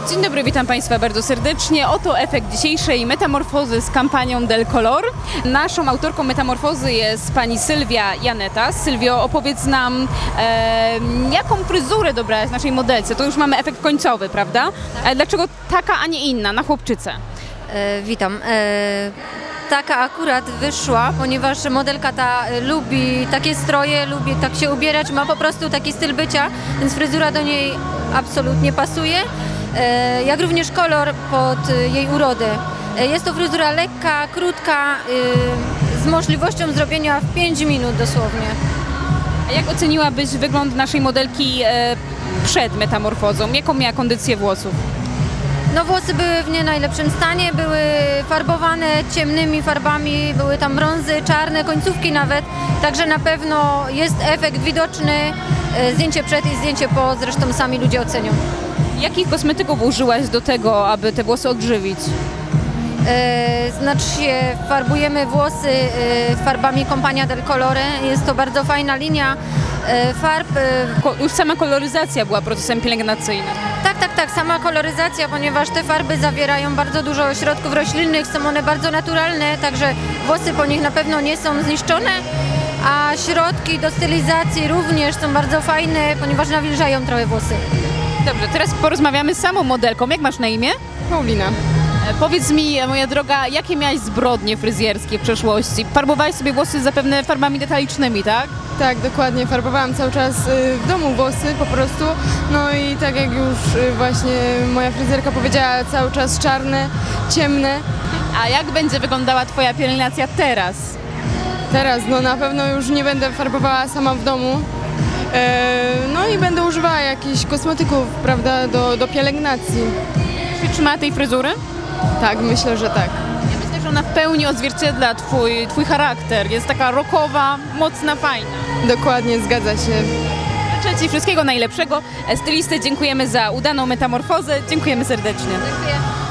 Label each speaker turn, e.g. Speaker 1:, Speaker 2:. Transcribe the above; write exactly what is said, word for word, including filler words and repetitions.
Speaker 1: Dzień dobry, witam Państwa bardzo serdecznie. Oto efekt dzisiejszej metamorfozy z kampanią Del Color. Naszą autorką metamorfozy jest pani Sylwia Janeta. Sylwio, opowiedz nam, e, jaką fryzurę dobrałaś naszej modelce. To już mamy efekt końcowy, prawda? Ale dlaczego taka, a nie inna, na chłopczycę?
Speaker 2: E, witam. E, taka akurat wyszła, ponieważ modelka ta e, lubi takie stroje, lubi tak się ubierać, ma po prostu taki styl bycia, więc fryzura do niej absolutnie pasuje. E, jak również kolor pod e, jej urodę. E, jest to fryzura lekka, krótka, e, z możliwością zrobienia w pięć minut dosłownie.
Speaker 1: A jak oceniłabyś wygląd naszej modelki e, przed metamorfozą? Jaką miała kondycję włosów?
Speaker 2: No włosy były w nie najlepszym stanie, były farbowane ciemnymi farbami, były tam brązy, czarne, końcówki nawet, także na pewno jest efekt widoczny, e, zdjęcie przed i zdjęcie po, zresztą sami ludzie ocenią.
Speaker 1: Jakich kosmetyków użyłaś do tego, aby te włosy odżywić?
Speaker 2: E, znaczy się, farbujemy włosy e, farbami Compagnia del Colore, jest to bardzo fajna linia e, farb. E,
Speaker 1: Ko- już sama koloryzacja była procesem pielęgnacyjnym.
Speaker 2: tak, tak, tak, sama koloryzacja, ponieważ te farby zawierają bardzo dużo środków roślinnych, są one bardzo naturalne, także włosy po nich na pewno nie są zniszczone, a środki do stylizacji również są bardzo fajne, ponieważ nawilżają trochę włosy.
Speaker 1: Dobrze, teraz porozmawiamy z samą modelką. Jak masz na imię?
Speaker 3: Paulina.
Speaker 1: E, Powiedz mi, moja droga, jakie miałaś zbrodnie fryzjerskie w przeszłości? Farbowałaś sobie włosy zapewne farbami detalicznymi, tak?
Speaker 3: Tak, dokładnie. Farbowałam cały czas y, w domu włosy po prostu. No i tak jak już y, właśnie moja fryzjerka powiedziała, cały czas czarne, ciemne.
Speaker 1: A jak będzie wyglądała twoja pielęgnacja teraz?
Speaker 3: Teraz no na pewno już nie będę farbowała sama w domu. E, no i będę używała jakichś kosmetyków, prawda, do, do pielęgnacji.
Speaker 1: Czy trzymała tej fryzury?
Speaker 3: Tak, myślę, że tak.
Speaker 1: Ja myślę, że ona w pełni odzwierciedla twój, twój charakter. Jest taka rockowa, mocna, fajna.
Speaker 3: Dokładnie, zgadza się.
Speaker 1: Życzę ci wszystkiego najlepszego. Stylisty, dziękujemy za udaną metamorfozę. Dziękujemy serdecznie.
Speaker 2: Dziękuję.